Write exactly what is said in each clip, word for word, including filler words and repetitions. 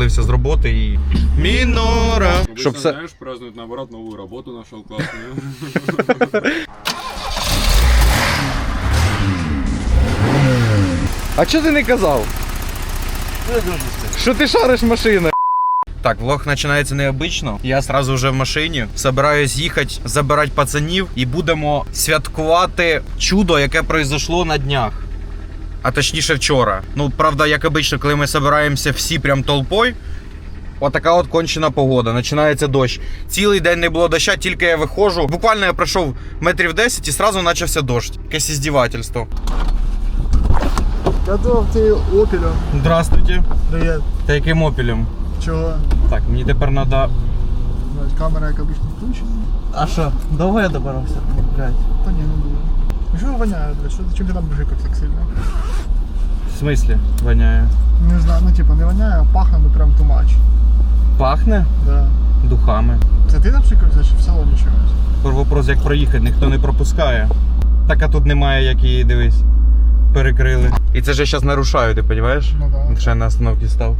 уволився з роботи і... Мінора! Щоб все... знаєш, празднують, наоборот, нову роботу нашел класную. А чого ти не казав? Що ти шариш машини? Так, влог починається необично. Я одразу вже в машині. Собираюсь їхати, забирати пацанів і будемо святкувати чудо, яке пройшло на днях. А точніше вчора. Ну, правда, як обично, коли ми збираємося всі прям толпою, отака от кончена погода. Починається дощ. Цілий день не було доща, тільки я виходжу. Буквально я пройшов метрів десять і одразу почався дощ. Якесь іздівательство. Готов ти опелем. Здравствуйте. Привет. Та яким опелем? Чого? Так, мені тепер треба... Камера, як обично, включена. А що, довго я добирався? Блядь. Та ні, не було. Що воняє, блядь? Що, чим ти там бжикав так сильно? В смислі воняє? Не знаю, ну типа не воняє, а пахне, ну прям too much. Пахне? Да. Духами. Це ти напшикався чи в салоні чогось? Вопрос, як проїхати, ніхто не пропускає. Так, а тут немає, як її, дивись, перекрили. І це ж я зараз нарушаю, ти розумієш? Ну да. Ще на остановці став.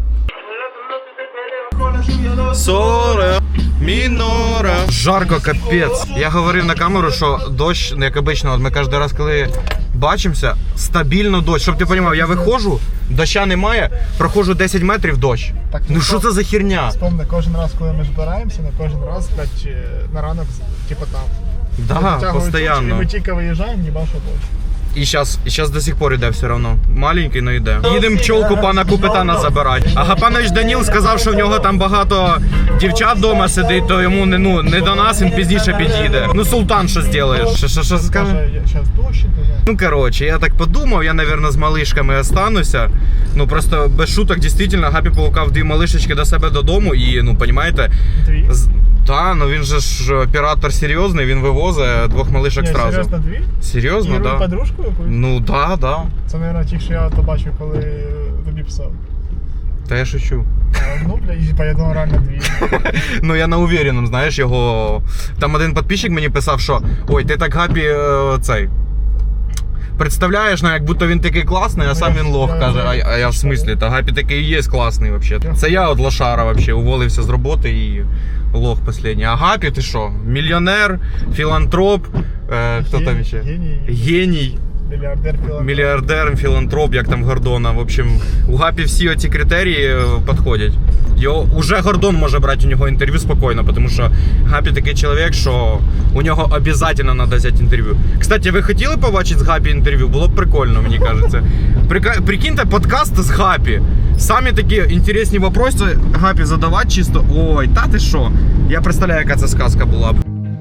Соре, мінора. Жарко, капець. Я говорив на камеру, що дощ, як обично, от ми кожен раз, коли бачимося, стабільно дощ. Щоб ти розумів, я виходжу, доща немає, проходжу десять метрів, дощ. Так, ну що це за херня? Спомни, кожен раз, коли ми збираємося, на кожен раз, блядь, на ранок, типа там. Да, постійно. І ми тільки виїжджаємо, їбаша дощ. І зараз, і зараз до сих пор йде все одно. Маленький, но йде. Їдемо пчолку пана Купитана забирати. А Гапанович Даніл сказав, що в нього там багато дівчат вдома сидить, то йому не, ну, не до нас, він пізніше під'їде. Ну, Султан, що зробиш? Що, що, що скаже? Зараз дощ іде. Ну, коротше, я так подумав, я, мабуть, з малишками остануся. Ну, просто без шуток, дійсно, Гапі полукав дві малишечки до себе додому і, ну, розумієте... Дві? Так, ну він же ж оператор серйозний, він вивозить двох малишок одразу. Серйозно дві? Серйозно, так. Да. Подружку якусь? Ну, так, да, так. Да. Це, мабуть, ті, що я то бачив, коли тобі писав. Та я шучу. Ну, бля, я думаю, реально дві. Ну, я на уверенном, знаєш, його... Там один підписчик мені писав, що ой, ти так Гапі е, цей... Представляєш, ну, як будто він такий класний, а сам він лох, каже. А, а я в смислі, та Гапі такий і є класний, взагалі. Це я от лошара, взагалі, уволився з роботи і лох останній. А Гапі, ти що? Мільйонер, філантроп, е, хто там ще? Геній. Геній. Мільярдер, філантроп. Мільярдер, філантроп, як там Гордона. В общем, у Гапі всі оці критерії підходять. Його, уже Гордон може брати у нього інтерв'ю спокійно, тому що Гапі такий чоловік, що у нього обов'язково треба взяти інтерв'ю. Кстати, ви хотіли побачити з Гапі інтерв'ю? Було б прикольно, мені кажеться. Прикиньте, подкаст з Гапі. Самі такі інтересні вопроси Гапі задавати чисто. Ой, та ти що? Я представляю, яка це сказка була б.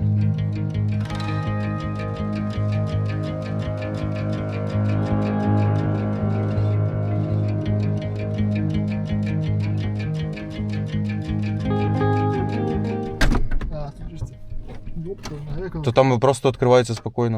То там просто відкривається спокійно.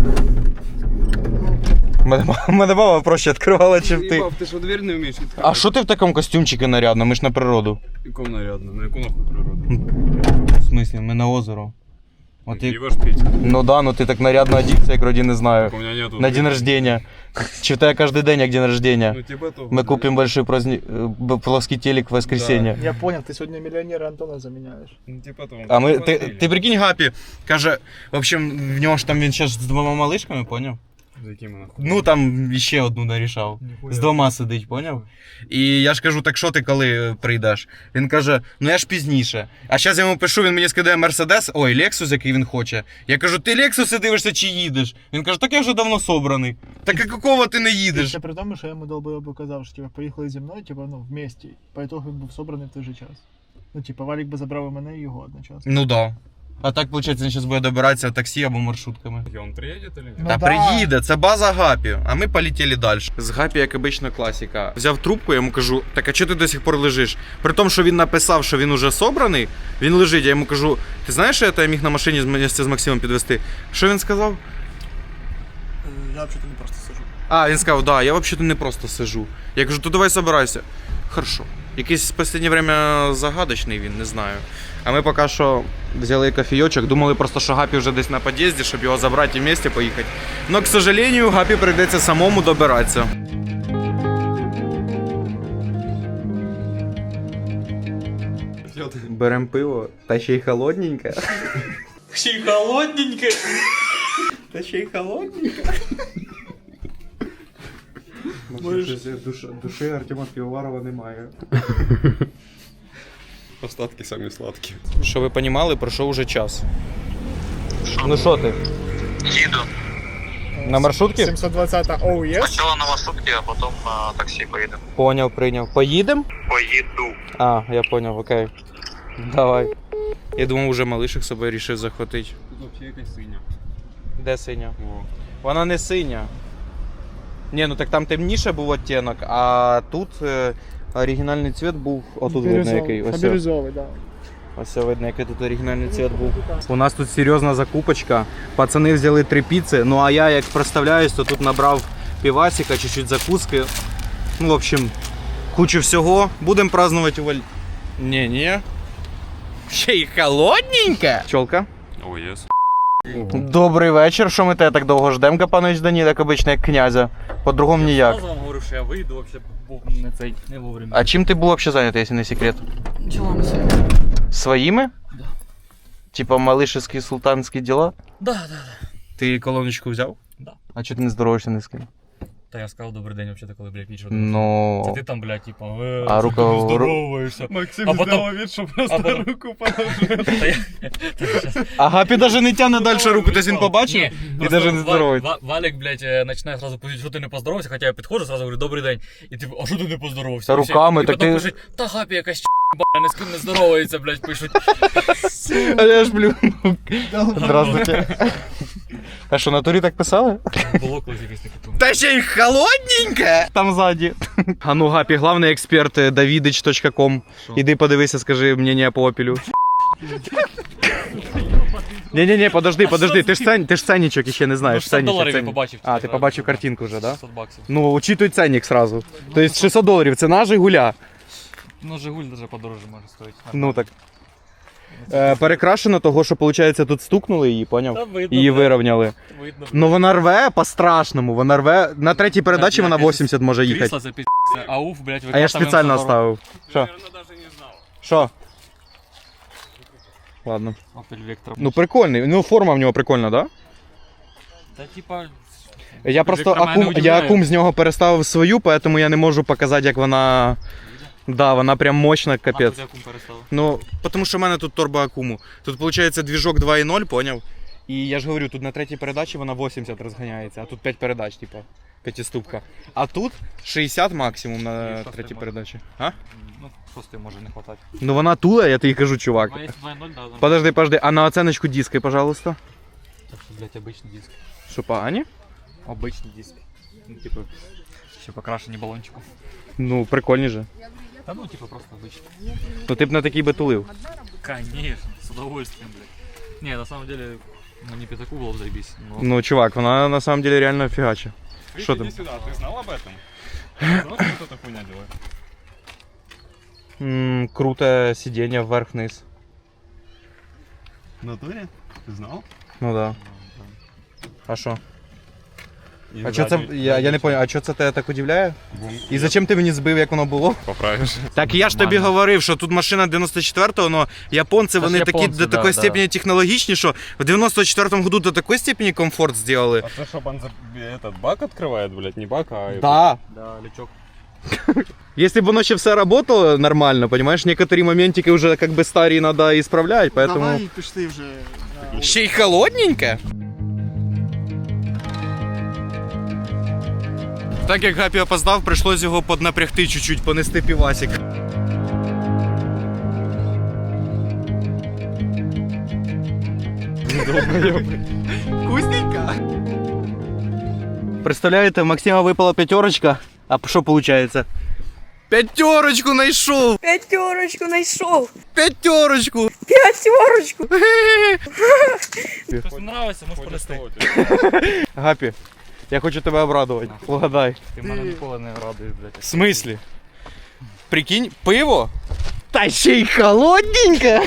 Мене мама проще відкривала, чим ти. Ти що, двері не вмієш відкривати? А що ти в такому костюмчику нарядно? Ми ж на природу. Якому нарядно? На яку нахуй природу? В смислі, ми на озеро. От як... Пиво ж пить. Ну да, ну ти так нарядно одівся, як вроді не знаю. У мене нету. На день рождения. Чи в тебе кожен день як день рождения? Ну типа того. Мы купим большой праздник, плоский телек в воскресенье. Я понял, ты сегодня миллионера Антона заменяешь. Ну типа того. А ми, ти, ти прикинь, Гапі, каже, в общем, в нього ж там він зараз з двома малишками, поняв? За якими нахуй? Ну там ще одну нарішав. Ніхуя. З двома сидить, поняв? І я ж кажу, так що ти коли прийдеш? Він каже, ну я ж пізніше. А зараз я йому пишу, він мені скидає Мерседес, ой, Лексус, який він хоче. Я кажу, ти Лексуси дивишся чи їдеш? Він каже, так я вже давно собраний. Так а якого ти не їдеш? Це при тому, що я йому долбойобу казав, що типа, поїхали зі мною, типа, ну, вместе. По итогу він був собраний в той же час. Ну, типа, Валік би забрав і мене, і його одночасно. Ну да. А так, виходить, він зараз буде добиратися таксі або маршрутками. І він приїде чи ні? Ну Та да. приїде, це база Гапі, а ми полетіли далі. З Гапі, як обична класика. Взяв трубку, я йому кажу, так а чого ти до сих пор лежиш? При тому, що він написав, що він уже собраний, він лежить, я йому кажу, ти знаєш, що я тебе міг на машині з Максимом підвезти? Що він сказав? Я взагалі не просто сижу. А, він сказав, да, я взагалі не просто сижу. Я кажу, то давай собирайся. Хорошо. Якийсь в останнє время загадочний він, не знаю. А ми поки що взяли кофійочок, думали просто, що Гапі вже десь на під'їзді, щоб його забрати і вместе поїхати. Но, к сожалению, Гапі прийдеться самому добиратися. спасет. Берем пиво, та ще й холодненьке. Ще й холодненьке. Та ще й холодненьке. Душі, душі Артема Півоварова немає. Остатки самі сладкі. Що ви розуміли, пройшов уже час. Ну що ти? Їду. На маршрутці? сімсот двадцять оу єс. Спочатку на маршрутці, а потім на таксі поїдемо. Поняв, прийняв. Поїдем? Поїду. А, я поняв, окей. Давай. Я думав, уже малишек собі вирішив захватити. Тут взагалі якась синя. Де синя? О. Вона не синя. Ні, ну так там темніше був оттінок, а тут е, оригінальний цвіт був. Отут видно який. Ось. Бірюзовий, да. Ось видно, який тут оригінальний цвіт був. У нас тут серйозна закупочка. Пацани взяли три піци, ну а я як представляюсь, то тут набрав півасика, чуть-чуть закуски. Ну, в общем, кучу всього. Будемо празднувати у Валь... Ні-ні. Ще й холодненьке. Чолка. О, єс. Добрий вечір. Що ми тебе так довго ждемо, панович Дані, як обично, як князя? По-другому ніяк. Я вам говорю, що я вийду, вообще був не цей, не вовремя. А чим ти був взагалі зайнятий, якщо не секрет? Ділами своїми. Своїми? Да. Типа малишевські султанські діла? Да, да, да. Ти колоночку взяв? Да. А чого ти не здороваєшся ні з ким? Та я сказав добрий день, вообще коли, блядь, пічу. Ну. Це ти там, блядь, типа, е, А а рука- рука... здороваєшся. Максим А потом- сделал вид, что просто а потом- руку положил. Та я... Та я щас- А Гапі навіть не тягне далі руку, десь він побачив Ні, і просто навіть не Ва- здоровиться. Ва- Валік, блядь, е, починає зразу писати, що ти не поздоровався, хоча я підходжу, зразу говорю, добрий день. І типу, а що ти не поздоровався? Та І все. руками, і так потім ти- пишуть, та Гапі якась б***ь, не з ким не здоровається, блядь, пишуть. А я ж блю. Здравствуйте. А що, на турі так писали? Було колись якесь таке тому. Та ще й холодненьке! Там ззаді. А ну, Гапі, главний експерт давидич точка ком. Іди подивися, скажи мнення по опілю. Ні-ні-ні, подожди, подожди, ти ж цен, ти ж ценничок іще не Ну, знаєш. шістсот ценничок, доларів я ценник. побачив. А, ти типа, побачив картинку вже, да? шістсот баксів. Ну, учитуй ценник сразу. Тобто шістсот доларів, це наш Жигуля. Ну, Жигуль даже подороже може стоїть. Ну так. Е, перекрашено того, що, виходить, тут стукнули її, Та поняв? видно, Її блядь, вирівняли. видно. Ну вона рве по-страшному, вона рве. На третій передачі вона вісімдесят може їхати. Крісло це пі***. Ауф, блядь, А я ж спеціально оставив. оставив. Що? Що? Ладно. Opel Vectra. Ну прикольний. Ну форма в нього прикольна, да? Та типа... Я просто Вектора мене акум, не я удивляє. акум з нього переставив свою, поэтому я не можу показати, як вона. Да, вона прям мощна, капець. Нахуй акум переставив. Ну, тому що в мене тут турбоакуму. Тут виходить двіжок два і ноль, поняв? І я ж говорю, тут на третій передачі вона вісімдесят розганяється, а тут п'ять передач, типа, п'ятиступка. А тут шістдесят максимум на шостий третій може. передачі. А? Ну, шостий може не хватати. Ну вона тула, я тобі кажу, чувак. Ну, якщо два ноль, да, да. Подожди, подожди, а на оценочку диски, пожалуйста. Так що, блядь, обичний диск. Що, погані? Обичний диск. Ну, типу, ще покрашені балончиком. Ну, прикольні же. Та ну, типу, просто обичний. Ну ти б на такий би тулив. Конечно, с удовольствием, блядь. Не, на самом деле, ну не пятаку было бы заебись. Но... Ну, чувак, вона на самом деле реально фігача. Что там? Иди сюда, ты знал об этом? Знал, что вот эта хуйня делает? М, круте сидіння вверх-вниз. В натуре? Ты знал? Ну да. А що? И А що це. сзади- Я, я не понял, а що це тебе так удивляє? Бум. І зачем ти мені збив, як воно було? Поправишь. Так я ж тобі Нормально. говорив, що тут машина дев'яносто четвертого, але японці, Це ж вони такі японці, до да, такої да. степені технологічні, що в дев'яносто четвертому году до такої степені комфорт зробили. А то, чтобы он за- этот бак открывает, блядь, не бак, а... Да. Да, лючок. Если бы воно ще все работало нормально, понимаешь, некоторые моментики уже как бы старые надо исправлять, поэтому... Давай пішли вже. на Ще й холодненьке. Так як Гапі опоздав, прийшлось його поднапрягти чуть-чуть, понести півасик. Вкусненько. Представляєте, Максима випала п'ятерочка, а що виходить? П'ятерочку знайшов! Пятерочку знайшов! П'ятерочку! Пятерочку! Хтось нравиться, можеш понести. Гапі, я хочу тебе обрадувати. Угадай. Ти мене ніколи не радуєш, блядь. В смислі? Прикинь, пиво? Та ще й холодненьке!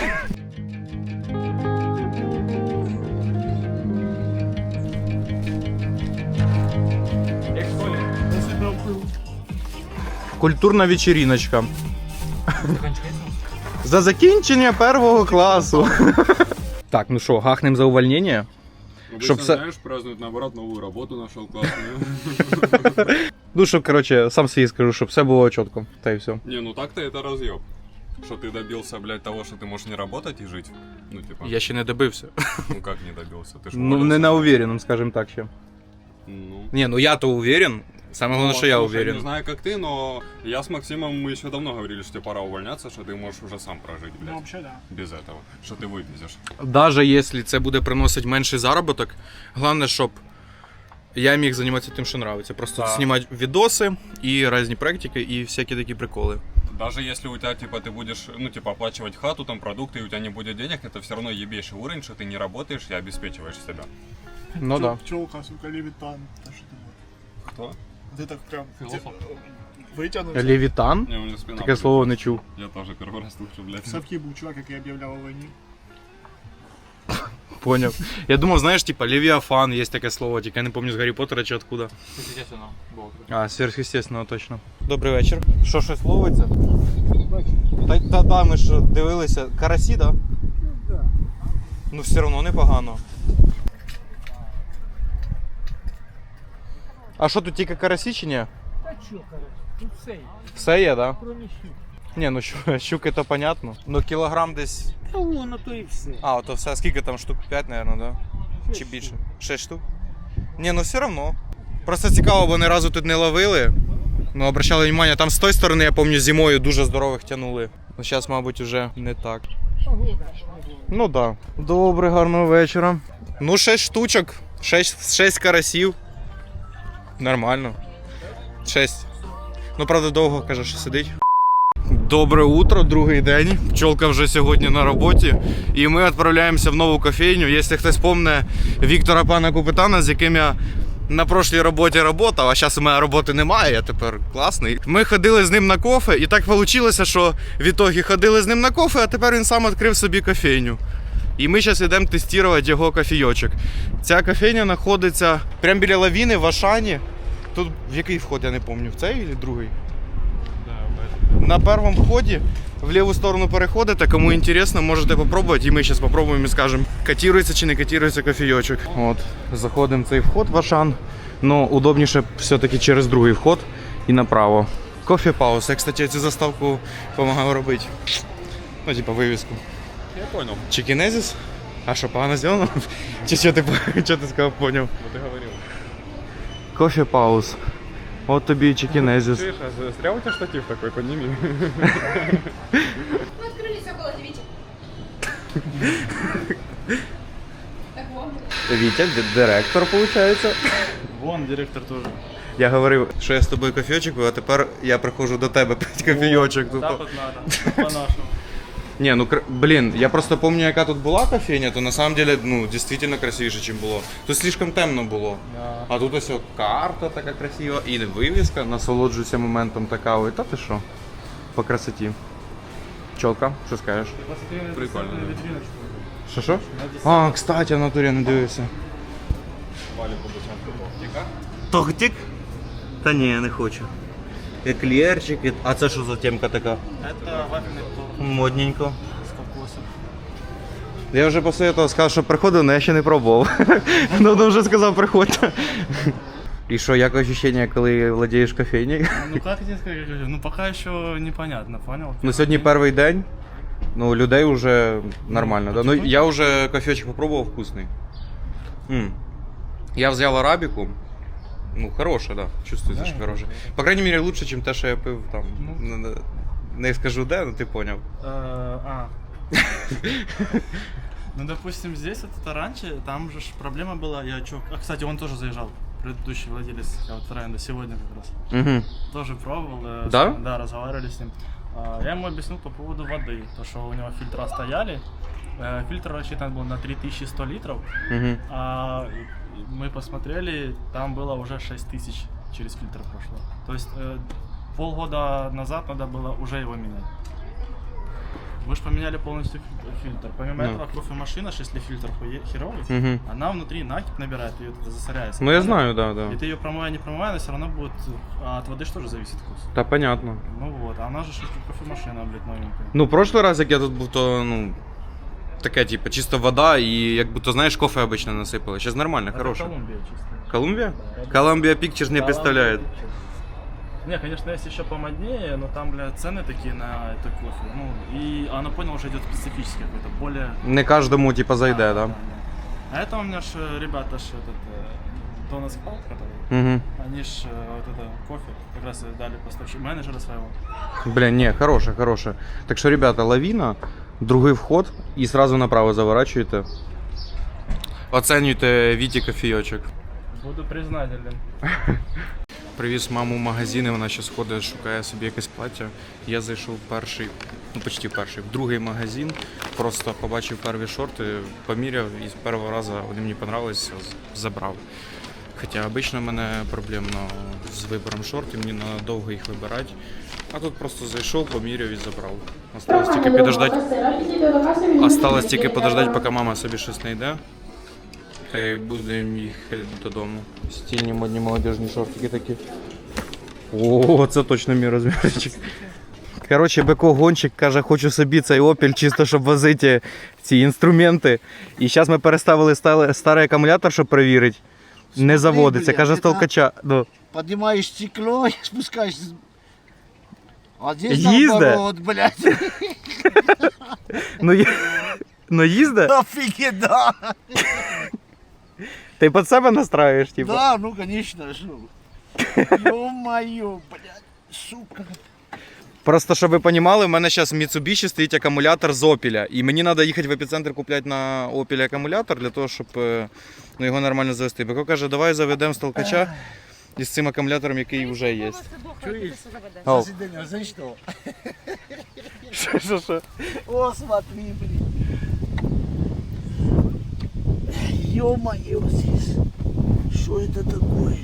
Культурна вечериночка. За закінчення першого класу. Так, ну що, гахнем за увольнення? Обычно, Чтоб со- знаешь, празднуют наоборот, новую работу нашел классную. Ну, щоб, коротше, сам свій скажу, щоб все було чітко. Та й все. Не, ну так-то это разъеб. Что ты добился, блядь, того, что ты можешь не работать и жить. Ну, типа, Я ще не добився. ну как не добился? Ты ж Ну, не уволился. на уверенном, скажем так, ще. Ну, Ні, ну я-то уверен. Саме головне, Ну, що я слушай, уверен. Не знаю, как ты, но я с Максимом, мы еще давно говорили, что тебе пора увольняться, что ты можешь уже сам прожить, Ну, блядь, вообще, да. без этого. Что ты вывезешь. Даже якщо це буде приносити менший заробіток, головне, щоб я міг займатися тим, що подобається. Просто Да. знімати відоси і різні практики, і всякі такі приколи. Даже если у тебя, типа, ты будешь, ну, типа, оплачивать хату, там, продукты, и у тебя не будет денег, это все равно ебейший уровень, что ты не работаешь и обеспечиваешь себя. Ну да. Пчелка, сука, Левитан. Та що ти думаєш? Кто? Ти так прям Філософ. витягнувся. Левітан? Не, у меня спина Таке болит. слово не чув. Я тоже первый раз слышу, блядь. В Совки був чувак, який об'являв у війні. Поняв. Я думав, знаєш, типа Левіафан, є таке слово, тільки я не пам'ятаю з Гаррі Поттера чи откуда. Естественно, було. А, сверхъестественного точно. Добрий вечір. Що, щось ловиться? Та, та, та ми ж дивилися. Карасі, да? Ну все одно непогано. А що тут тільки карасі чи ні? Та чо, короче, тут все є, Все є, да? кроме щук. Ні, ну щу- щуки то понятно. Ну кілограм десь. Та воно то і все. А, ото все. Скільки там штук? п'ять, мабуть, да? Чи Шість більше? штук. шість штук? Ні, ну все одно. Просто цікаво, бо ні разу тут не ловили. Ну, обращали увагу, там з тої сторони, я пам'ятаю, зимою дуже здорових тягнули. Ну, зараз, мабуть, вже не так. Погода, погода. Ну так. Да. Добре, гарного вечора. Ну, шість штучок, шість, шість карасів. Нормально. шість. Ну, правда, довго, каже, що сидить. Добре утро, другий день. Пчолка вже сьогодні на роботі. І ми відправляємося в нову кофейню. Якщо хтось пам'ятає Віктора пана Купитана, з яким я на прошлій роботі працював, а зараз у мене роботи немає, я тепер класний. Ми ходили з ним на кофе, і так вийшло, що в ітогі ходили з ним на кофе, а тепер він сам відкрив собі кофейню. І ми зараз йдемо тестувати його кофійочок. Ця кофейня знаходиться прямо біля лавіни в Ашані. Тут в який вход, я не пам'ятаю, в цей чи другий? На першому вході в ліву сторону переходите, кому інтересно, можете попробувати, і ми зараз попробуємо і скажемо, котирується чи не котирується кофійочок. От, заходимо в цей вход в Ашан, але удобніше все-таки через другий вход і направо. Кофе пауз. Я, кстати, цю заставку допомагав робити. Ну, типа вивіску. Я понял. Чикінезіс? А що, погано зроблено? Чи що ти, що ти сказав, поняв? Вот ты говорил. Кофе пауз. От тобі і чикінезіс. Слышь, а зря у тебя штатив такой, подними. Мы открылись около девяти. Так вот. Вітя, д- директор, виходить. Вон, директор теж. Я говорив, що я з тобою кофійочок, а тепер я приходжу до тебе пити кофійочок. Тупо. Так от надо, по-нашому. Ні, ну кр- блін, я просто пам'ятаю, яка тут була кофейня, то на самом деле, ну, дійсно красивіше, ніж було. Тут слишком темно було. А тут ось о, карта така красива, і вивіска, насолоджуйся моментом така, ой, та ти що? По красоті. Чолка, що скажеш? Прикольно. Що що? А, кстати, в натурі не дивився. Вали по бочам. Тортик? Та ні, не хочу. Еклерчик, а це що за темка така? Это вафельный торт Модненько. с кокосом. Я вже після того сказав, що приходив, але я ще не пробував. Ну, то вже сказав, приходьте. І що, як відчуття, коли владієш кофейнею? Ну как тебе сказать, ну пока еще непонятно, понял? Ну, сьогодні перший день. Ну, людей вже нормально. Да? Ну, я вже кофейчик попробував, вкусний. М. Я взяв арабіку. Ну, хороше, да. Чувствується, що хороше. По крайней мере, лучше, ніж те, що я пив там. Ну. Не- Не скажу де, ну ти поняв. Э, А. Ну, допустим, здесь, это раньше, там же ж проблема была, я чё... А, кстати, он тоже заезжал, предыдущий владелец Аутренда, сегодня как раз. Угу. Тоже пробовал. э, Да? с- Да, разговаривали с ним. А, Я ему объяснил по поводу воды, то, что у него фильтра стояли. Э, Фильтр рассчитан был на три тысячи сто литров, Угу. а мы посмотрели, там было уже шесть тысяч через фильтр прошло. То есть э, полгода назад надо было уже его менять. Вы же поменяли полностью фи- фильтр. Помимо Ну. этого, кофемашина, если фильтр хуе- херовый, Угу. она внутри накипь набирает, ее это засоряется. Ну я Правильно? знаю, да, И да. ты ее промывая, не промывая, она все равно будет... А от воды же тоже зависит вкус. Та понятно. Ну вот, а она же ж кофемашина, блядь, новенькая. Ну, прошлий раз, як я тут був, то, ну, таке, типу, чисто вода і як будто, знаєш, кофе обично насипали. Зараз нормально, Это хороше. Колумбия чисто. Колумбия? Да. Колумбия Pictures не Колумбия представляет. Pictures. Не, конечно, есть еще помоднее, но там, блядь, цены такие на это кофе. Ну, и она поняла, уже идет специфический какой-то, более... Не кожному, типа, зайде, да? А это у меня ж э, ребята ж этот э, Дональд Спалт, который, Угу. они ж э, вот это кофе как раз и дали поставщик менеджера своего. Бля, не, хороше, хороше. Так що, ребята, лавіна, другий вход і сразу направо заворачуєте. Оцінюйте Віті кофійочок. Буду признателен. Привіз маму в магазин, і вона зараз ходить, шукає собі якесь плаття. Я зайшов в перший, ну почти в перший, в другий магазин. Просто побачив перві шорти, поміряв і з першого разу вони мені понравилися, з- забрав. Хоча обично в мене проблемно з вибором шортів, мені треба довго їх вибирати. А тут просто зайшов, поміряв і забрав. Осталось тільки підождати. Осталось тільки подождати, поки мама собі щось знайде. Та й будемо їхати додому. Стильні модні молодіжні шортики такі. О, це точно мій розмірчик. Коротше, Беко гонщик каже, хочу собі цей Opel, чисто щоб возити ці інструменти. І зараз ми переставили стали- старий акумулятор, щоб перевірити. Не заводиться, каже, з толкача. Ну. Поднимаешь стекло и спускаешь. А здесь Їзде? наоборот, блядь. Ну, є- ну їзде? Офигеть, да. Ти під себе настраюєш, типу? Да, ну конечно, шо. Ё-моё, блядь, сука. Просто, щоб ви розуміли, в мене зараз в Mitsubishi стоїть акумулятор з Opel. І мені треба їхати в епіцентр купляти на Opel акумулятор для того, щоб е, ну, його нормально завести. Беко каже, давай заведемо з толкача із цим акумулятором, який вже є. Ау. Заседание, знаешь что? Що, що, що? О, смотри, блин. Ё-моё, здесь. Что это такое?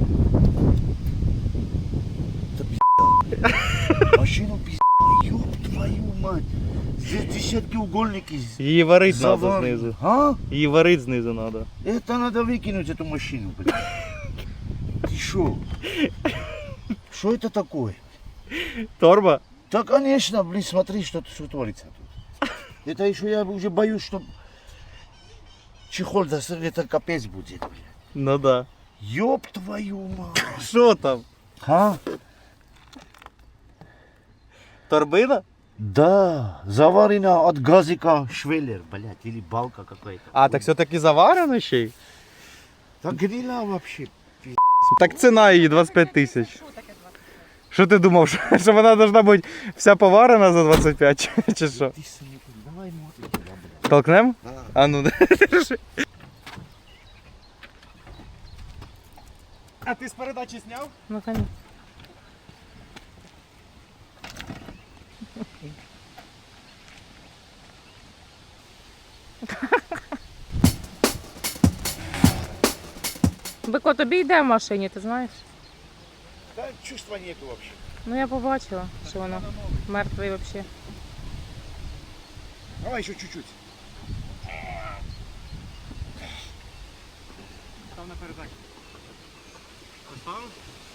Это пизда. Машину пизда. Ёб твою мать. Здесь десятки угольники. Її варить Завар- знизу. А? Її варить знизу треба. Это надо выкинуть эту машину, блин. Ты шо? Что это такое? Торба? Да, конечно, блин, смотри, что, что творится тут. Это еще я уже боюсь, что чехол, да, это капец будет, блин. Ну да. Ёб твою мать. Що там? А? Торбина? Да, заварено от газика швеллер, блядь, или балка какая-то. А, так все-таки заварено ще й? Так грила вообще. Так ціна її двадцять п'ять тисяч. Що ти думав, що, що вона должна бути вся поварена за двадцять п'ять чи- чи що? Ты сам, давай мотор туда, блядь. Толкнем? Да. А ну, держи. А ти з передачі зняв? Ну, конечно. Бико, тобі йде в машині, ти знаєш? Да, чувства нету вообще. Ну я побачила, що воно мертвий взагалі. Давай еще чуть-чуть. Став на передачі. Поставив?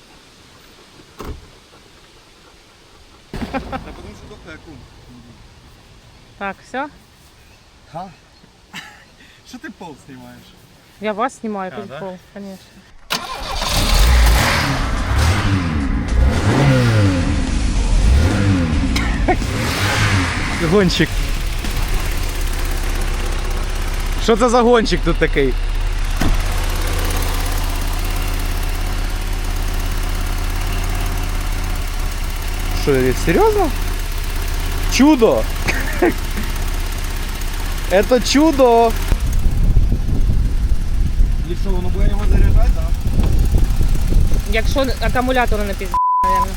Та тому що дохає кум. Так, все? Ха? Що ти пол знімаєш? Я вас знімаю, А, під да? пол, звісно. Гонщик. Що це за гонщик тут такий? Що, серйозно? Чудо! Это чудо! І що, воно буде його заряджати, так? Якщо акумулятор не пізд***, мабуть.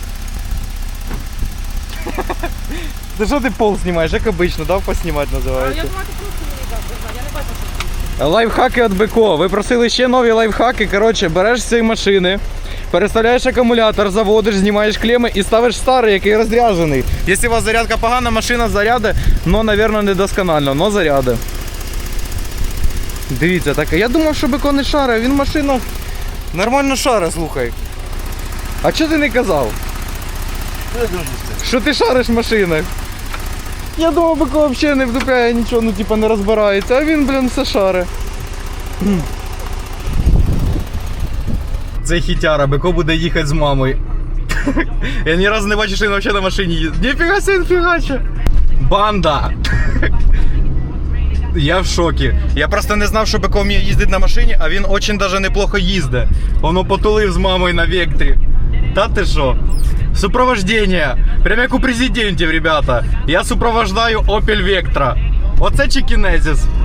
Ти що ти пол знімаєш, як обично, дав поснімати А я називається? думаю, ти просто мені дав держати, я не бачу, що це. Лайфхаки від Беко. Ви просили ще нові лайфхаки. Коротше, береш з цієї машини, переставляєш акумулятор, заводиш, знімаєш клеми і ставиш старий, який розряджений. Якщо у вас зарядка погана, машина заряде, но, мабуть, недосконально, но заряде. Дивіться, так, я думав, що Бико не шаре, він машина нормально шаре, слухай. А чого ти не казав? Що ти шариш в машинах? Я думав, Бико взагалі не вдупляє нічого, ну типа не розбирається, а він, блін, все шаре. Це хітяра, Бико буде їхати з мамою. Я ні разу не бачив, що він взагалі на машині їздить. Ніфіга себе, фігаче. Банда! Я в шокі. Я просто не знав, що Бико вміє їздити на машині, а він дуже даже неплохо їздить. Воно потулив з мамою на вектрі. Та ти що? Супровождення. Прямо як у президентів, ребята. Я супровождаю Opel Vectra. Оце чи кінезіс.